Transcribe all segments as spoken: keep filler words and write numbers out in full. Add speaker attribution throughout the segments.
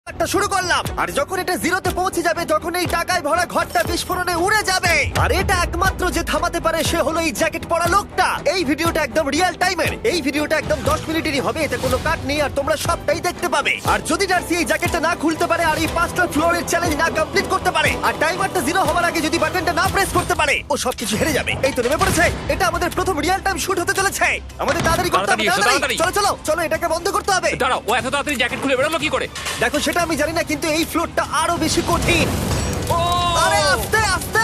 Speaker 1: একটা শুরু করলাম, আর যখন এটা জিরোতে পৌঁছে যাবে তখন এই টাকায় ভরা ঘরটা বিস্ফোরণে উড়ে যাবে। আর এটা একমাত্র যে থামাতে পারে সে হলো এই জ্যাকেট পরা লোকটা। এই ভিডিওটা একদম রিয়েল টাইমের, এই ভিডিওটা একদম দশ মিনিটেরই হবে, এতে কোনো কাট নেই আর তোমরা সবটাই দেখতে পাবে। আর যদি ডার্সি এই জ্যাকেটটা না খুলতে পারে আর এই পাঁচটা ফ্লোরের চ্যালেঞ্জ না কমপ্লিট করতে পারে আর টাইমারটা জিরো হওয়ার আগে যদি বাটনটা না প্রেস করতে পারে, ও সবকিছু হেরে যাবে। এই তো নেমে পড়েছে, এটা আমাদের প্রথম রিয়েল টাইম শুট হতে চলেছে। আমাদের তাড়াতাড়ি করতে হবে, তাড়াতাড়ি চলো চলো চলো, এটাকে বন্ধ করতে হবে।
Speaker 2: দাঁড়াও, ও এত তাড়াতাড়ি জ্যাকেট খুলে বেরোলো কি করে?
Speaker 1: দেখো সেটা আমি জানি না, কিন্তু এই ফ্লোরটা আরো বেশি কঠিন।
Speaker 2: ও
Speaker 1: আরে আস্তে আস্তে।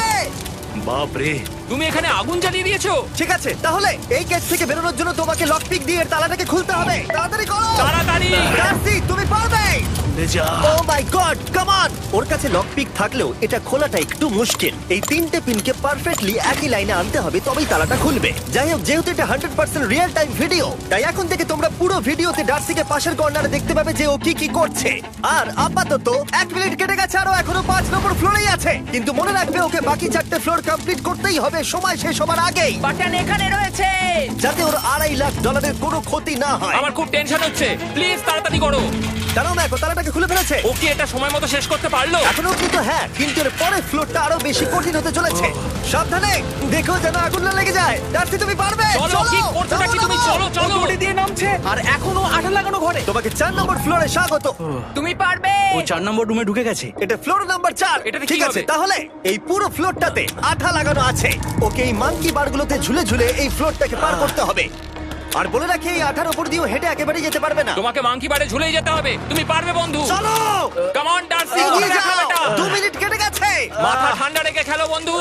Speaker 3: বাপ রে,
Speaker 2: তুমি এখানে আগুন জ্বালিয়ে দিয়েছো।
Speaker 1: ঠিক আছে, তাহলে এই গেট থেকে বেরোনোর জন্য তোমাকে লক পিক দিয়ে এর তালাটাকে খুলতে হবে। তাড়াতাড়ি করো
Speaker 2: তাড়াতাড়ি।
Speaker 1: ডার্সি, তুমি পারবে।
Speaker 3: যা
Speaker 1: ও মাই গড, কাম অন। ওর কাছে লক পিক থাকলেও এটা খোলাটা একটু মুশকিল। এই তিনটে পিনকে পারফেক্টলি একই লাইনে আনতে হবে, তবেই তালাটা খুলবে। যাই হোক, যেহেতু এটা hundred percent real time video, তাই এখন থেকে তোমরা পুরো ভিডিওতে ডার্সিকে পাশের কর্নারে দেখতে পাবে যে ও কি কি করছে। আর আপাতত এক মিনিট কেটে গেছে, আরো এখনো পাঁচ নম্বর ফ্লোরেই আছে। কিন্তু মনে রাখবে ওকে বাকি চারটে ফ্লোর কমপ্লিট করতেই হবে সময় শেষ হবার আগেই,
Speaker 4: বাটন এখানে রয়েছে।
Speaker 1: যাতে ওর আড়াই লাখ ডলারের কোনো ক্ষতি না হয়।
Speaker 2: আমার খুব টেনশন হচ্ছে, প্লিজ তাড়াতাড়ি করো।
Speaker 1: কারণ দেখো তালাটাকে খুলে ফেলেছে।
Speaker 2: ও কি এটা সময় মতো শেষ করতে পারলো?
Speaker 1: এখনো কিন্তু হ্যাঁ, কিন্তু এর পরের ফ্লোরটা আরো বেশি কঠিন হতে চলেছে। সাবধানে, দেখো যেন আগুন না লেগে যায়। ডার্সি, তুমি পারবে।
Speaker 2: চলো, কি করছো নাকি তুমি? চলো চলো।
Speaker 4: দড়ি দিয়ে নামছে আর এখনো আঠা লাগানো ঘরে।
Speaker 1: তোমাকে চার নম্বর ফ্লোরে স্বাগত।
Speaker 4: তুমি পারবে।
Speaker 3: ও চার নম্বর রুমে ঢুকে গেছে।
Speaker 1: এটা ফ্লোর নাম্বার চার।
Speaker 2: এটাতে কি
Speaker 1: ঠিক আছে,
Speaker 2: হবে?
Speaker 1: তাহলে এই পুরো ফ্লোরটাতে আঠা লাগানো আছে। ওকে এই মাঙ্কি বারগুলোতে ঝুলে ঝুলে এই ফ্লোরটাকে পার করতে হবে। আর বলে রাখি, এই আঠার উপর দিয়েও হেঁটে একেবারে যেতে পারবে না।
Speaker 2: তোমাকে মাংকি বারে ঝুলেই যেতে হবে। তুমি পারবে বন্ধু।
Speaker 1: চলো
Speaker 2: কাম অন ডার্সি,
Speaker 1: এগিয়ে
Speaker 2: দেখো
Speaker 1: যাও।
Speaker 2: এটা।
Speaker 1: দু মিনিট কেটে গেছে।
Speaker 2: মাথা ঠান্ডা রেখে খেলো বন্ধু।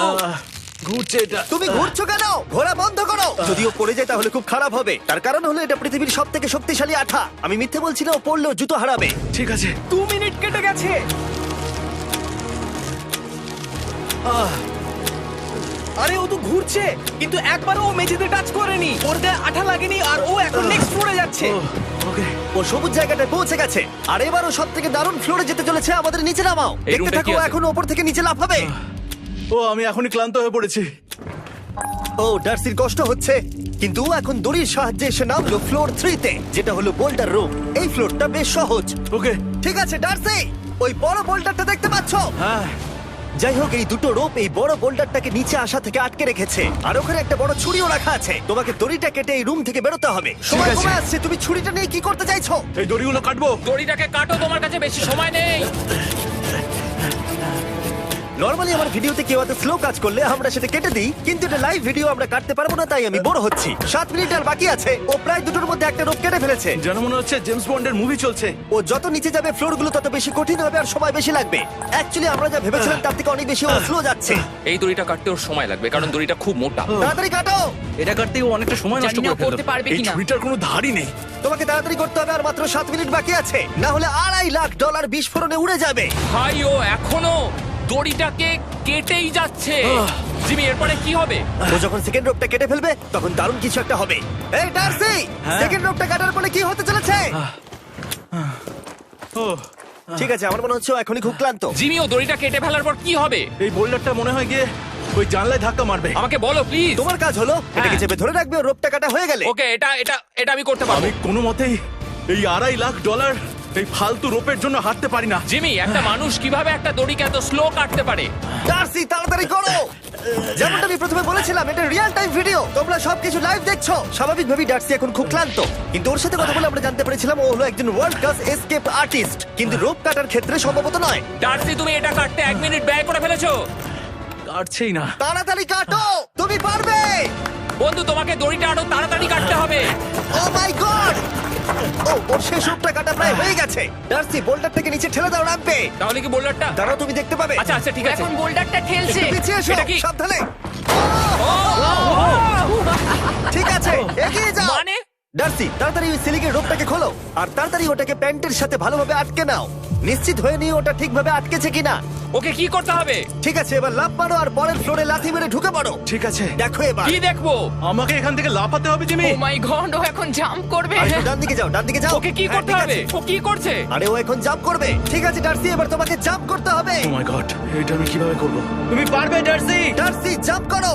Speaker 3: ঘুরছে এটা।
Speaker 1: তুমি ঘুরছো কেন? ঘোরা বন্ধ করো। যদিও পড়ে যায় তাহলে খুব খারাপ হবে। তার কারণ হলো এটা পৃথিবীর সব থেকে শক্তিশালী আঠা। আমি মিথ্যে বলছি না, ও পড়লেও জুতো হারাবে।
Speaker 3: ঠিক আছে।
Speaker 4: দু মিনিট কেটে গেছে। আরে ও তো ঘুরছে, কিন্তু একবারও ও মেঝেতে টাচ করেনি। ওর গায়ে আঠা লাগেনি আর ও এখন নেক্সট ফ্লোরে যাচ্ছে।
Speaker 3: ওকে,
Speaker 1: ও সবুজ জায়গাটায় পৌঁছে গেছে। আর এবারও সব থেকে দারুণ ফ্লোরে যেতে চলেছে। আমাদের নিচে নামাও।
Speaker 2: এই
Speaker 1: দেখতে
Speaker 2: রুমটা
Speaker 1: থাকো,
Speaker 2: কি আছে?
Speaker 1: এখন ওপর থেকে নিচে লাফাবে।
Speaker 3: ও আমি এখনই ক্লান্ত হয়ে পড়েছি।
Speaker 1: ও ডার্সির কষ্ট হচ্ছে, কিন্তু ও এখন দড়ির সাহায্যে এসে নামলো ফ্লোর থ্রিতে, যেটা হলো বোল্ডার রুম। এই ফ্লোরটা বেশ সহজ।
Speaker 3: ওকে।
Speaker 1: ঠিক আছে ডার্সি, ওই বড় বোল্ডারটা দেখতে পাচ্ছ?
Speaker 3: হ্যাঁ।
Speaker 1: যাই হোক, এই দুটো রোপ এই বড় বোল্ডারটাকে নিচে আসা থেকে আটকে রেখেছে। আর ওখানে একটা বড় ছুরিও রাখা আছে। তোমাকে দড়িটা কেটে এই রুম থেকে বেরোতে হবে। সময়
Speaker 3: আছে।
Speaker 1: কমে আসছে, তুমি ছুরিটা নিয়ে কি করতে চাইছো?
Speaker 3: এই দড়িগুলো কাটবো।
Speaker 2: দড়িটাকে কাটো, তোমার কাছে বেশি সময় নেই।
Speaker 1: নরমালি আমার ভিডিওতে কেউ এত স্লো কাজ করলে আমরা সেটা কেটে দিই, কিন্তু এটা লাইভ ভিডিও আমরা কাটতে পারবো না, তাই আমি বোর হচ্ছি। সাত মিনিট আর বাকি আছে। ও প্রায় দুটোর মধ্যে একটা রোপ কেটে ফেলেছে।
Speaker 3: যেন মনে হচ্ছে জেমস বন্ডের মুভি চলছে।
Speaker 1: ও যত নিচে যাবে ফ্লোর গুলো তত বেশি কঠিন হবে আর সময় বেশি লাগবে। অ্যাকচুয়ালি আমরা যা ভেবেছিলাম তার থেকে অনেক বেশি ও স্লো যাচ্ছে।
Speaker 2: এই দড়িটা কাটতে ওর সময় লাগবে, কারণ দড়িটা খুব মোটা।
Speaker 1: তাড়াতাড়ি কাটো।
Speaker 3: এটা কাটতেই ও অনেকটা সময় নষ্ট
Speaker 4: জানি না
Speaker 3: করে
Speaker 4: করতে পারবে
Speaker 3: ফেললো। এই
Speaker 4: কিনা।
Speaker 3: ছুরিটার কোনো ধারই নেই।
Speaker 1: তোমাকে তাড়াতাড়ি করতে হবে, আর মাত্র সাত মিনিট বাকি আছে, না হলে আড়াই লাখ ডলার বিস্ফোরণে উড়ে যাবে।
Speaker 2: ভাই ও এখনো দড়িটাকে কেটেই যাচ্ছে। জিমি, এরপরে কি হবে?
Speaker 1: ও যখন সেকেন্ড রোপটা কেটে ফেলবে তখন দারুণ কিছু একটা হবে। এই ডার্সি, সেকেন্ড রোপটা কাটার পরে কি হতে চলেছে?
Speaker 3: ও
Speaker 1: ঠিক আছে, আমার মনে হচ্ছে ও এখনই খুব ক্লান্ত।
Speaker 2: জিমি, ও দড়িটা কেটে ফেলার পর কি হবে?
Speaker 3: এই বোল্ডারটা মনে হয় গিয়ে ওই জানলায় ধাক্কা মারবে।
Speaker 2: আমাকে বলো প্লিজ।
Speaker 1: তোমার কাজ হলো এটাকে চেপে ধরে রাখবে, ও রোপটা কাটা হয়ে গেলে।
Speaker 2: ওকে, এটা এটা এটা আমি করতে পারবো।
Speaker 3: আমি কোনো মতেই এই আড়াই লাখ ডলার এই ফালতু রোপের জন্য হাঁটতে পারি না।
Speaker 2: জিমি, একটা মানুষ কিভাবে একটা দড়িকে এত স্লো কাটতে পারে?
Speaker 1: ডার্সি, তাড়াতাড়ি করো। যেমনটা আমি প্রথমে বলেছিলাম, এটা রিয়েল টাইম ভিডিও, তোমরা সবকিছু লাইভ দেখছো। স্বাভাবিকভাবেই ডার্সি এখন খুব ক্লান্ত, কিন্তু ওর সাথে কথা বলে আমরা জানতে পেরেছিলাম ও হলো একজন ওয়ার্ল্ড ক্লাস এসকেপ আর্টিস্ট, কিন্তু রোপ কাটার ক্ষেত্রে সম্ভবত নয়।
Speaker 2: ডার্সি, তুমি এটা কাটতে এক মিনিট ব্যয় করে ফেলেছো।
Speaker 3: কাটছেই না।
Speaker 1: তাড়াতাড়ি কাটো, তুমি পারবে।
Speaker 2: বন্ধু, তোমাকে দড়িটা আরো তাড়াতাড়ি কাটতে হবে।
Speaker 1: ও মাই গড! ও ওর শেষ রূপটা কাটা প্রায় হয়ে গেছে। ডার্সি, বোল্ডার থেকে নিচে ঠেলে দাও, রাখবে।
Speaker 2: তাহলে কি বোল্ডারটা?
Speaker 1: দাঁড়াও, তুমি দেখতে পাবে।
Speaker 2: আচ্ছা আচ্ছা, ঠিক আছে।
Speaker 4: এখন বোল্ডারটা ঠেলছে।
Speaker 1: একটু পিছিয়ে এসো,
Speaker 2: এটা কি?
Speaker 1: সাবধানে। ঠিক আছে, এগিয়ে যাও।
Speaker 2: মানে?
Speaker 1: ডার্সি, তাড়াতাড়ি ওই সিলিকের রোপটাকে খোলো আর তাড়াতাড়ি ওটাকে প্যান্টের সাথে ভালোভাবে আটকে নাও। নিশ্চিত হয়ে নিও ওটা ঠিকভাবে আটকেছে কিনা।
Speaker 2: ওকে কি করতে হবে?
Speaker 1: ঠিক আছে, এবার লাফ মারো আর পরের ফ্লোরে লাথি মেরে ঢুকে পড়ো।
Speaker 3: ঠিক আছে।
Speaker 1: দেখো এবার।
Speaker 2: কি দেখবো?
Speaker 3: আমাকে এখান থেকে লাফাতে হবে জিমি।
Speaker 4: ও মাই গড, ও এখন জাম্প করবে।
Speaker 1: আর একটু ডান দিকে যাও, ডান দিকে যাও।
Speaker 2: ওকে কি
Speaker 1: হ্যাঁ,
Speaker 2: করতে
Speaker 1: ঠিক
Speaker 2: হবে?
Speaker 1: আছে।
Speaker 2: ও কি করছে?
Speaker 1: আরে ও এখন জাম্প করবে। ঠিক আছে ডার্সি, এবার তোমাকে জাম্প করতে হবে।
Speaker 3: ও মাই গড, এটা আমি কিভাবে করব? তুমি পারবে ডার্সি।
Speaker 1: ডার্সি, জাম্প করো।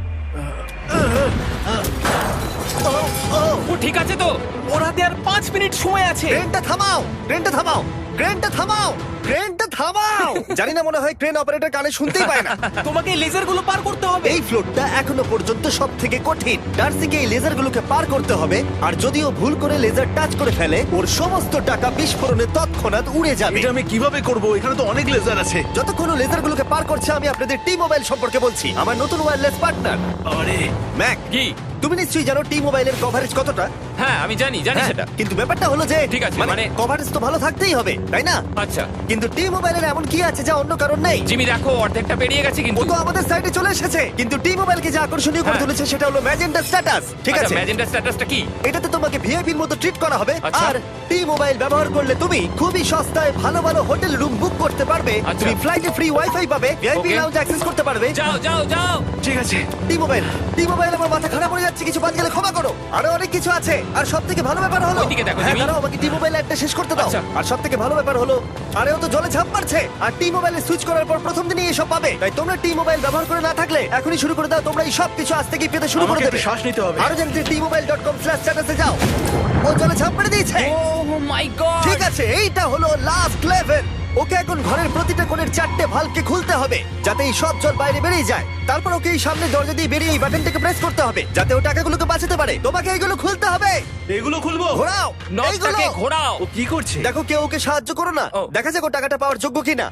Speaker 1: ও, ও,
Speaker 2: ও ঠিক আছে তো?
Speaker 4: ওর হাতে আর পাঁচ মিনিট সময় আছে।
Speaker 1: ট্রেনটা থামাও, ট্রেনটা থামাও। ক্রেনটা থামাও, ক্রেনটা থামাও। জানি না, মনে হয় ক্রেন অপারেটর কানে শুনতেই পায় না।
Speaker 4: তোমাকে লেজার গুলো পার করতে হবে।
Speaker 1: এই ফ্লোরটা এখনো পর্যন্ত সব থেকে কঠিন। ডার্সিকে এই লেজারগুলোকে পার করতে হবে, আর যদি ও ভুল করে লেজার টাচ করে ফেলে, ওর সমস্ত টাকা বিস্ফোরণে তৎক্ষণাৎ উড়ে যাবে।
Speaker 3: এটা আমি কিভাবে করব? এখানে তো অনেক লেজার আছে।
Speaker 1: যতক্ষণ ও লেজারগুলোকে পার করছে, আমি আপনাদের টি মোবাইল সম্পর্কে বলছি, আমার নতুন ওয়্যারলেস পার্টনার।
Speaker 3: আরে
Speaker 1: ম্যাক,
Speaker 2: কি?
Speaker 1: তুমি নিশ্চয়ই জানো টি মোবাইলের কভারেজ কতটা?
Speaker 2: হ্যাঁ আমি জানি জানি
Speaker 1: হ্যাঁ,
Speaker 2: সেটা।
Speaker 1: কিন্তু ব্যাপারটা হলো যে
Speaker 2: ঠিক আছে,
Speaker 1: মানে
Speaker 2: মানে-
Speaker 1: কভারেজ তো ভালো থাকতেই হবে, তাই না?
Speaker 2: আচ্ছা
Speaker 1: কিন্তু টি মোবাইলের এমন কি আছে যা অন্য কারণ নেই?
Speaker 2: জিমি দেখো অর্ধেকটা পেরিয়ে গেছে
Speaker 1: ও
Speaker 2: কিন্তু।
Speaker 1: তো আমাদের সাইডে চলে এসেছে, কিন্তু টি মোবাইলকে যে আকর্ষণীয় করে
Speaker 2: হ্যাঁ।
Speaker 1: তুলেছে সেটা হলো ম্যাজেন্টা স্ট্যাটাস। ঠিক
Speaker 2: আচ্ছা,
Speaker 1: আছে,
Speaker 2: ম্যাজেন্টা স্ট্যাটাসটা কি?
Speaker 1: এটাতে তোমাকে ভিআইপির মতো ট্রিট করা হবে।
Speaker 2: আচ্ছা।
Speaker 1: আর টি মোবাইল ব্যবহার করলে তুমি খুবই সস্তায় ভালো ভালো হোটেল রুম বুক করতে পারবে।
Speaker 2: আচ্ছা।
Speaker 1: তুমি ফ্লাইটে ফ্রি ওয়াইফাই পাবে, ভিআইপি
Speaker 2: Okay.
Speaker 1: লাউঞ্জ অ্যাক্সেস করতে পারবে।
Speaker 2: যাও যাও যাও।
Speaker 3: ঠিক আছে।
Speaker 1: টি মোবাইল, টি মোবাইল আমার মাথা খারাপ হয়ে যাচ্ছে, কিছু বাদ গেলে ক্ষমা করো। আরো অনেক কিছু আছে, আর সব থেকে ভালো ব্যাপার হলো,
Speaker 2: ওইদিকে দেখো,
Speaker 1: হ্যাঁ
Speaker 2: জিমি।
Speaker 1: দাঁড়াও, আমাকে টি মোবাইল একটা শেষ করতে দাও।
Speaker 2: আচ্ছা।
Speaker 1: আর সব থেকে ভালো ব্যাপার হলো, আরে ও তো জলে ঝাঁপ মারছে, আর টি মোবাইলে সুইচ করার পর প্রথম দিনই এসব পাবে। তাই তোমরা টি মোবাইল ব্যবহার করে না থাকলে এখনই শুরু করে দাও। তোমরা এই সব কিছু আজ থেকেই পেতে শুরু করে
Speaker 3: আমাকে
Speaker 1: দেবে।
Speaker 3: একটু শ্বাস নিতে হবে।
Speaker 1: আরো জানতে T mobile dot com slash স্ট্যাটাসে যাও। ও জলে ঝাঁপ মেরে দিয়েছে।
Speaker 2: Oh my god.
Speaker 1: ঠিক আছে, এইটা হলো লাস্ট লেভেল। ওকে এখন ঘরের প্রতিটা কোণের চারটে ভালভকে খুলতে হবে, যাতে এই সব জল বাইরে বেরিয়ে যায়। তারপর ওকে এই সামনে দরজা দিয়ে বেরিয়ে এই বাটনটাকে প্রেস করতে হবে, যাতে ও টাকাগুলোকে বাঁচাতে পারে। তোমাকে এইগুলো খুলতে হবে।
Speaker 3: এগুলো খুলবো?
Speaker 1: ঘোরাও এইগুলো।
Speaker 2: নটটাকে ঘোরাও।
Speaker 3: ও কি করছে?
Speaker 1: দেখো কেউ ওকে সাহায্য করো না,
Speaker 2: ও।
Speaker 1: দেখা যাক ও টাকাটা পাওয়ার যোগ্য কিনা।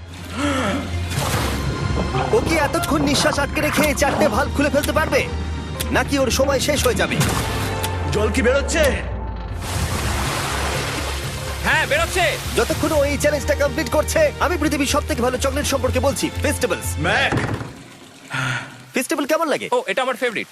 Speaker 1: ও কি এতক্ষণ নিঃশ্বাস আটকে রেখে এই চারটে ভালভ খুলে ফেলতে পারবে, নাকি ওর সময় শেষ হয়ে যাবে?
Speaker 3: জল কি বেরোচ্ছে?
Speaker 2: হ্যাঁ বেরোচ্ছে।
Speaker 1: যতক্ষণ ও এই চ্যালেঞ্জটা কমপ্লিট করছে, আমি পৃথিবীর সব থেকে ভালো চকলেট সম্পর্কে বলছি, ফেস্টিভ্যালস।
Speaker 3: ম্যাক,
Speaker 1: ফেস্টিভ্যাল কেমন লাগে?
Speaker 2: ও এটা আমার ফেভারিট।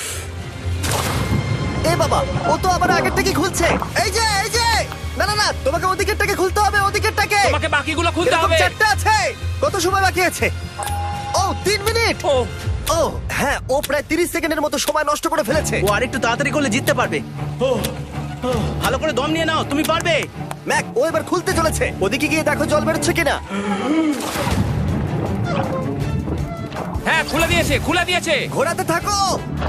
Speaker 1: এ বাবা, ও তো আবার আগেরটাকে খুলছে। এই যে এই যে, না না না, তোমাকে ওদিকেরটাকে খুলতে হবে, ওদিকেরটাকে।
Speaker 2: তোমাকে বাকিগুলো খুলতে
Speaker 1: এরকম
Speaker 2: হবে।
Speaker 1: চারটে আছে। কত সময় বাকি আছে? ও তিন মিনিট।
Speaker 2: ও
Speaker 1: ও হ্যাঁ, ও প্রায় তিরিশ সেকেন্ডের মতো সময় নষ্ট করে ফেলেছে।
Speaker 4: ও আরেকটু তাড়াতাড়ি করলে জিততে পারবে।
Speaker 3: ও ও,
Speaker 4: ভালো করে দম নিয়ে নাও, তুমি পারবে।
Speaker 1: ম্যাক, ও এবার খুলতে চলেছে। ওদিকে গিয়ে দেখো জল বেরোচ্ছে কিনা।
Speaker 2: হ্যাঁ খুলে দিয়েছে খুলে দিয়েছে।
Speaker 1: ঘোরাতে থাকো।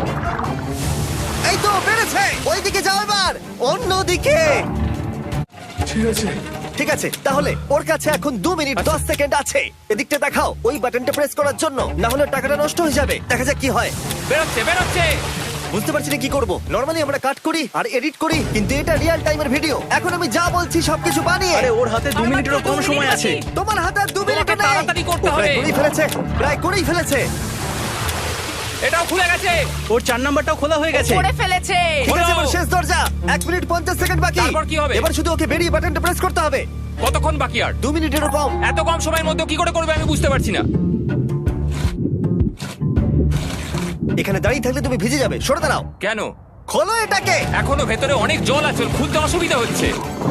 Speaker 1: এই তো বেড়েছে। ওইদিকে যাও এবার, অন্যদিকে।
Speaker 3: ঠিক আছে।
Speaker 1: ঠিক আছে, তাহলে ওর কাছে এখন দু মিনিট দশ সেকেন্ড আছে। এদিকটা দেখাও ওই বাটনটা প্রেস করার জন্য, না হলে টাকাটা নষ্ট হয়ে যাবে। দেখা যাক কি হয়।
Speaker 2: বেরোচ্ছে বেরোচ্ছে।
Speaker 1: বুঝতে পারছি না কি করব। নরমালি আমরা কাট করি আর এডিট করি, কিন্তু এটা রিয়েল টাইমের ভিডিও। এখন আমি যা বলছি সবকিছু বানিয়ে।
Speaker 4: আরে ওর হাতে দু
Speaker 2: আর
Speaker 4: মিনিটেরও
Speaker 2: মাত্র
Speaker 4: কম
Speaker 2: দু
Speaker 4: সময়
Speaker 2: মিনিট
Speaker 4: আছে।
Speaker 2: বাকি।
Speaker 1: তোমার হাতে আর দু মিনিট
Speaker 2: তোমাকে তাড়াতাড়ি করতে
Speaker 1: প্রায়
Speaker 2: হবে।
Speaker 1: করেই ফেলেছে, প্রায় করেই ফেলেছে।
Speaker 2: এটাও খুলে গেছে।
Speaker 4: ওর চার নাম্বারটাও খোলা হয়ে গেছে।
Speaker 2: করে ফেলেছে।
Speaker 1: ঠিক আছে,
Speaker 2: হলো।
Speaker 1: এবার শেষ দরজা। এক মিনিট পঞ্চাশ সেকেন্ড বাকি।
Speaker 2: তারপর কি হবে?
Speaker 1: এবার শুধু ওকে বেরিয়ে বাটনটা প্রেস করতে হবে।
Speaker 2: কতক্ষণ বাকি আর?
Speaker 1: দু মিনিটেরও কম।
Speaker 2: এত কম সময়ের মধ্যে কি করে করবে আমি বুঝতে পারছি না।
Speaker 1: এখানে দাঁড়িয়ে থাকলে তুমি ভিজে যাবে, সরে দাঁড়াও।
Speaker 2: কেন?
Speaker 1: খোলো এটাকে।
Speaker 2: এখনো ভেতরে অনেক জল আছে, ওর খুলতে অসুবিধা হচ্ছে।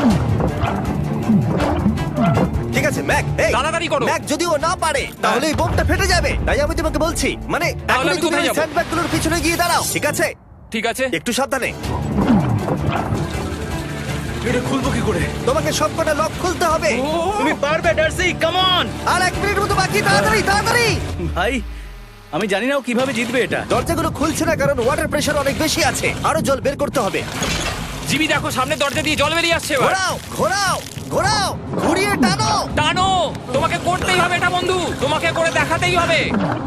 Speaker 1: ঠিক আছে ম্যাক, এই
Speaker 2: তাড়াতাড়ি করো।
Speaker 1: ম্যাক, যদি ও না পারে তাহলে এই বোমটা ফেটে যাবে। তাই আমি তোমাকে বলছি, মানে
Speaker 2: তাহলে
Speaker 1: এখনই
Speaker 2: আমি
Speaker 1: তুমি
Speaker 2: কোথায়
Speaker 1: ওই
Speaker 2: যাবো?
Speaker 1: স্যান্ডব্যাগগুলোর পিছনে গিয়ে দাঁড়াও। ঠিক আছে,
Speaker 2: ঠিক আছে।
Speaker 1: একটু সাবধানে।
Speaker 3: এটা খুলবো কি করে?
Speaker 1: তোমাকে সবকটা লক খুলতে হবে।
Speaker 2: ও,
Speaker 4: তুমি পারবে ডার্সি, কাম অন।
Speaker 1: আর এক মিনিট মতো বাকি, তাড়াতাড়ি তাড়াতাড়ি।
Speaker 4: ভাই আমি জানি না ও কিভাবে জিতবে এটা।
Speaker 1: দরজাগুলো খুলছে না কারণ ওয়াটার প্রেশার অনেক বেশি আছে। আরো জল বের করতে হবে।
Speaker 2: জিমি দেখো সামনে দরজা দিয়ে জল বেরিয়ে আসছে এবার।
Speaker 1: ঘোরাও ঘোরাও ঘোরাও, ঘুরিয়ে টানো।
Speaker 2: টানো। তোমাকে করতেই হবে এটা বন্ধু, তোমাকে করে দেখাতেই হবে।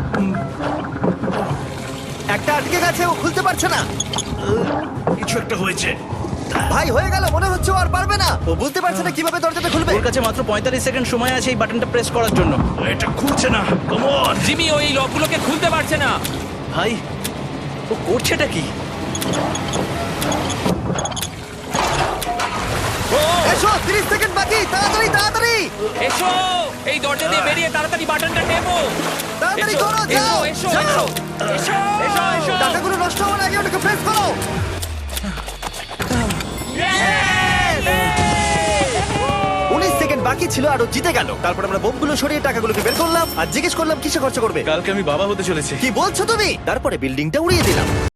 Speaker 1: একটা আটকে গেছে, ও খুলতে পারছে না।
Speaker 3: কিছু একটা হয়েছে।
Speaker 1: ভাই হয়ে গেল, মনে হচ্ছে ও আর পারবে না। ও বুঝতে পারছে না কিভাবে দরজাটা খুলবে।
Speaker 4: ওর কাছে মাত্র পঁয়তাল্লিশ সেকেন্ড সময় আছে এই বাটনটা প্রেস করার জন্য।
Speaker 3: এটা খুলছে না। Come on.
Speaker 2: জিমি ওই লকগুলোকে খুলতে পারছে না।
Speaker 4: ভাই ও করছেটা কি?
Speaker 2: ও
Speaker 1: এসো, তিরিশ সেকেন্ড বাকি, তাড়াতাড়ি তাড়াতাড়ি
Speaker 2: এসো, এই দরজা দিয়ে বেরিয়ে তাড়াতাড়ি বাটনটা টেপো।
Speaker 1: তাড়াতাড়ি
Speaker 2: এসো,
Speaker 1: করো,
Speaker 2: এসো,
Speaker 1: যাও
Speaker 2: এসো,
Speaker 1: যাও।
Speaker 2: এসো, এসো, এসো।
Speaker 1: টাকাগুলো নষ্ট হওয়ার আগে ওটাকে প্রেস করো। উনিশ সেকেন্ড বাকি ছিল আর ও জিতে গেল। তারপর আমরা বোমগুলো সরিয়ে টাকাগুলোকে বের করলাম আর জিজ্ঞেস করলাম কিসে খরচা করবে।
Speaker 3: কালকে আমি বাবা হতে চলেছি।
Speaker 1: কি বলছো তুমি? তারপরে বিল্ডিংটা উড়িয়ে দিলাম।